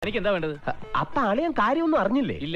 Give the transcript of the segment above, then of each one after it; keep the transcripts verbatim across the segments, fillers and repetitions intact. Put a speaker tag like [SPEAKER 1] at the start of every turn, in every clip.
[SPEAKER 1] എനിക്ക് എന്താ വേണ്ടത്?
[SPEAKER 2] അപ്പൊ അളിയൻ കാര്യമൊന്നും അറിഞ്ഞില്ലേ?
[SPEAKER 1] ഇല്ല.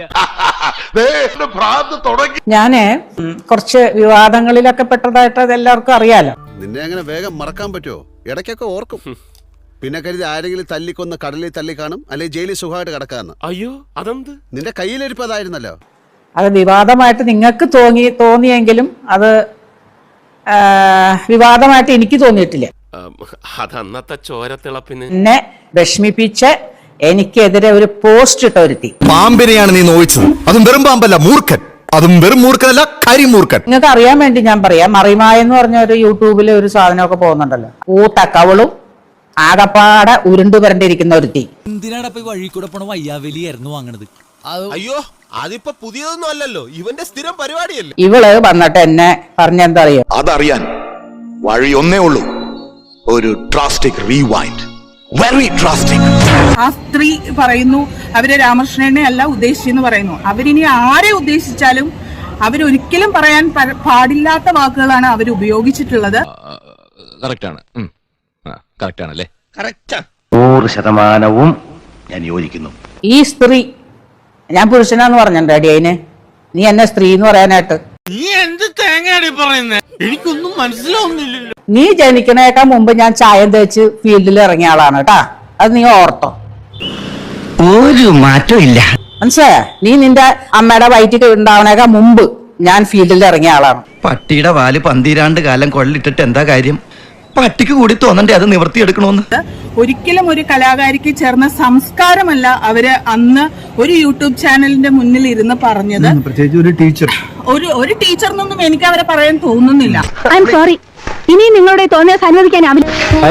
[SPEAKER 3] ഞാന് കുറച്ച് വിവാദങ്ങളിലൊക്കെ പെട്ടതായിട്ട് അത് എല്ലാവർക്കും അറിയാലോ.
[SPEAKER 4] നിന്നെ അങ്ങനെ വേഗം മറക്കാൻ പറ്റുമോ? ഇടയ്ക്കൊക്കെ ഓർക്കും. പിന്നെ കരുതി ആരെങ്കിലും തല്ലിക്കൊന്ന് കടലിൽ തല്ലി കാണും, അല്ലെങ്കിൽ ജയിലിൽ സുഖമായിട്ട് കിടക്കാന്ന്.
[SPEAKER 1] അയ്യോ അതെന്ത്?
[SPEAKER 4] നിന്റെ കയ്യിലിരിപ്പതായിരുന്നല്ലോ.
[SPEAKER 3] അത് വിവാദമായിട്ട് നിങ്ങൾക്ക് തോന്നി തോന്നിയെങ്കിലും അത് വിവാദമായിട്ട് എനിക്ക് തോന്നിയിട്ടില്ല.
[SPEAKER 1] അതന്നത്തെ ചോരത്തിളപ്പിന്
[SPEAKER 3] എന്നെ വിഷമിപ്പിച്ച് എനിക്കെതിരെ ഒരു പോസ്റ്റ് ഇട്ട ഒരുത്തി.
[SPEAKER 5] പാമ്പിനെയാണ് നീ നോവിച്ചത്. അതും വെറും പാമ്പല്ല, മൂർഖൻ. അതും വെറും മൂർഖനല്ല, കരിമൂർഖൻ.
[SPEAKER 3] നിങ്ങൾക്ക് അറിയാൻ വേണ്ടി ഞാൻ പറയാം, മറിമായ എന്ന് പറഞ്ഞ ഒരു യൂട്യൂബിൽ ഒരു സാധനമൊക്കെ പോകുന്നുണ്ടല്ലോ. ഊത്തക്കവളും ആകപ്പാടെ ഉരുണ്ടു വരണ്ടിരിക്കുന്ന ഒരുത്തി.
[SPEAKER 6] എന്തിനാണ് വഴി കൂടെ പോണ വയ്യാവലിയായിരുന്നു വാങ്ങണത്?
[SPEAKER 7] അയ്യോ അതിപ്പോ പുതിയതൊന്നും അല്ലല്ലോ, ഇവന്റെ സ്ഥിരം പരിപാടിയല്ലേ.
[SPEAKER 3] ഇവള് വന്നിട്ട് എന്നെ പറഞ്ഞെന്താ അറിയോ?
[SPEAKER 5] അതറിയാൻ വഴി ഒന്നേ ഉള്ളൂ, ഒരു ഡ്രാസ്റ്റിക് റീവൈൻഡ്. Very drastic.
[SPEAKER 8] ആ സ്ത്രീ പറയുന്നു അവര് രാമകൃഷ്ണനെ അല്ല ഉദ്ദേശിച്ചെന്ന് പറയുന്നു. അവരിനി ആരെ ഉദ്ദേശിച്ചാലും അവരൊരിക്കലും പറയാൻ പാടില്ലാത്ത വാക്കുകളാണ് അവർ ഉപയോഗിച്ചിട്ടുള്ളത്.
[SPEAKER 2] നൂറ് ശതമാനവും ഞാൻ യോജിക്കുന്നു.
[SPEAKER 3] ഈ സ്ത്രീ, ഞാൻ പുരുഷനാന്ന് പറഞ്ഞിട്ടുണ്ട് അടി അതിന്, നീ എന്നെ സ്ത്രീ എന്ന് പറയാനായിട്ട്.
[SPEAKER 7] നീ എന്ത് തേങ്ങയാടി പറയുന്നേ? എനിക്കൊന്നും മനസ്സിലാവുന്നില്ലല്ലോ.
[SPEAKER 3] നീ ജനിക്കണേക്കാൾ മുമ്പ് ഞാൻ ചായം തേച്ച് ഫീൽഡിൽ ഇറങ്ങിയ ആളാണ് കേട്ടാ, അത് നീ ഓർത്തോ.
[SPEAKER 2] ഒരു മാറ്റവും ഇല്ല.
[SPEAKER 3] മനസ്സിലായ? നീ നിന്റെ അമ്മയുടെ വയറ്റിൽ ഉണ്ടാവണേക്കാൾ മുമ്പ് ഞാൻ ഫീൽഡിൽ ഇറങ്ങിയ ആളാണ്.
[SPEAKER 9] പട്ടിയുടെ വാല് പന്തിരാണ്ട് കാലം കൊള്ളിട്ടിട്ട് എന്താ കാര്യം? പട്ടിക്ക് കൂടി തോന്നണ്ടേ അത് നിവർത്തിയെടുക്കണോന്ന്?
[SPEAKER 8] ഒരിക്കലും ഒരു കലാകാരിക്ക് ചേർന്ന സംസ്കാരമല്ല അവര് അന്ന് ഒരു യൂട്യൂബ് ചാനലിന്റെ മുന്നിൽ ഇരുന്ന് പറഞ്ഞത്.
[SPEAKER 5] പ്രത്യേകിച്ച് ഒരു ടീച്ചർ
[SPEAKER 8] ഒരു ഒരു ടീച്ചറിനൊന്നും എനിക്ക് അവരെ പറയാൻ തോന്നുന്നില്ല.
[SPEAKER 10] ഐ എം സോറി, ഇനി നിങ്ങളുടെ തോന്നിയ അനുവദിക്കാനാവില്ല.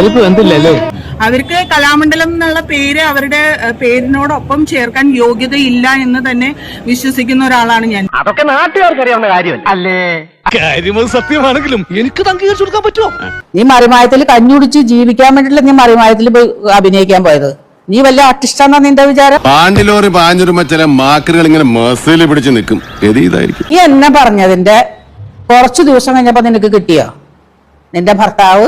[SPEAKER 8] അവർക്ക് കലാമണ്ഡലം എന്നുള്ള പേര് അവരുടെ പേരിനോടൊപ്പം ചേർക്കാൻ യോഗ്യതയില്ല എന്ന് തന്നെ വിശ്വസിക്കുന്ന ഒരാളാണ് ഞാൻ.
[SPEAKER 2] അതൊക്കെ നാട്ടുകാർക്ക് അറിയാവുന്ന കാര്യമല്ല അല്ലേ?
[SPEAKER 7] കാര്യം സത്യമാണെങ്കിലും എനിക്ക് അംഗീകരിച്ചു കൊടുക്കാൻ പറ്റുമോ?
[SPEAKER 3] നീ മറിമായത്തിൽ കഞ്ഞുടിച്ച് ജീവിക്കാൻ വേണ്ടിയില്ല നീ മറിമായത്തിൽ പോയി അഭിനയിക്കാൻ പോയത്. നീ വല്ല ആർട്ടിസ്റ്റാന്നാ നിന്റെ വിചാരം?
[SPEAKER 4] പാണ്ടിലോറി പാഞ്ഞൊരുമ്പോ ചില മാക്കറുകൾ ഇങ്ങനെ മസിൽ പിടിച്ച് നിൽക്കും. ഇതായിരിക്കും
[SPEAKER 3] ഈ എന്നെ പറഞ്ഞതിന്റെ കുറച്ചു ദിവസം കഴിഞ്ഞപ്പോ നിനക്ക് കിട്ടിയോ? നിന്റെ ഭർത്താവ്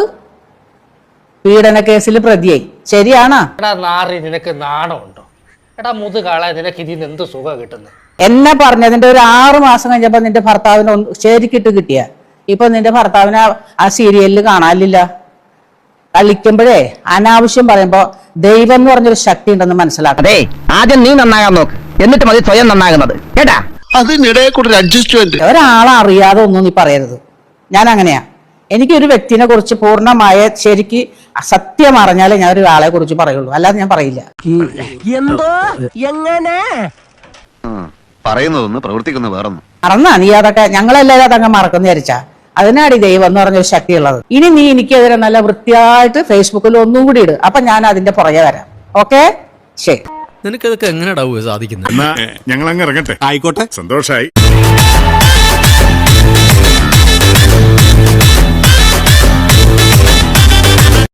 [SPEAKER 3] പീഡന കേസിൽ പ്രതിയായി. ശരിയാണോ?
[SPEAKER 11] നിനക്ക് നാണമുണ്ടോ? എടാ മുതുകാളെ, നിനക്ക് ഇതിന് എന്ത് സുഖം കിട്ടുന്നത്?
[SPEAKER 3] എന്നെ പറഞ്ഞതിന്റെ ഒരു ആറു മാസം കഴിഞ്ഞപ്പോ നിന്റെ ഭർത്താവിന് ശരിക്കിട്ട് കിട്ടിയ. ഇപ്പൊ നിന്റെ ഭർത്താവിനെ ആ സീരിയലിൽ കാണാനില്ല. കളിക്കുമ്പോഴേ അനാവശ്യം പറയുമ്പോ ദൈവം എന്ന് പറഞ്ഞൊരു ശക്തി ഉണ്ടെന്ന് മനസ്സിലാക്കണേ.
[SPEAKER 2] ആദ്യം നീ നന്നാകാൻ നോക്ക്, എന്നിട്ട് മതി സ്വയം നന്നാകുന്നത് കേട്ടാ.
[SPEAKER 4] അതിനിടെ കൂടെ അഡ്ജസ്റ്റ്മെന്റ്.
[SPEAKER 3] ഒരാളെ അറിയാതെ ഒന്നും നീ പറയരുത്. ഞാൻ അങ്ങനെയാ. എനിക്കൊരു വ്യക്തിനെ കുറിച്ച് പൂർണ്ണമായ ശരിക്ക് സത്യം അറിഞ്ഞാലേ ഞാൻ ഒരാളെ കുറിച്ച് പറയുള്ളൂ, അല്ലാതെ ഞാൻ പറയില്ല.
[SPEAKER 2] എന്തോ എങ്ങനെ
[SPEAKER 4] പറയുന്നതൊന്ന് പ്രവർത്തിക്കുന്ന വേറൊന്നും
[SPEAKER 3] മറന്നാ നീ അതൊക്കെ? ഞങ്ങളെല്ലാവരും അതങ്ങ് മറക്കുന്നു വിചാരിച്ചാ? അതിനാടി ദൈവം എന്ന് പറഞ്ഞൊരു ശക്തിയുള്ളത്. ഇനി നീ എനിക്കെതിരെ നല്ല വൃത്തിയായിട്ട് ഫേസ്ബുക്കിൽ ഒന്നും കൂടി ഇട്, അപ്പൊ ഞാൻ അതിന്റെ പുറകെ വരാം. ഓക്കെ, ശരി.
[SPEAKER 6] നിനക്കതൊക്കെ എങ്ങനെയാ സാധിക്കുന്നത്?
[SPEAKER 5] ഞങ്ങൾ അങ്ങ് ഇറങ്ങട്ടെ. ആയിക്കോട്ടെ, സന്തോഷായി.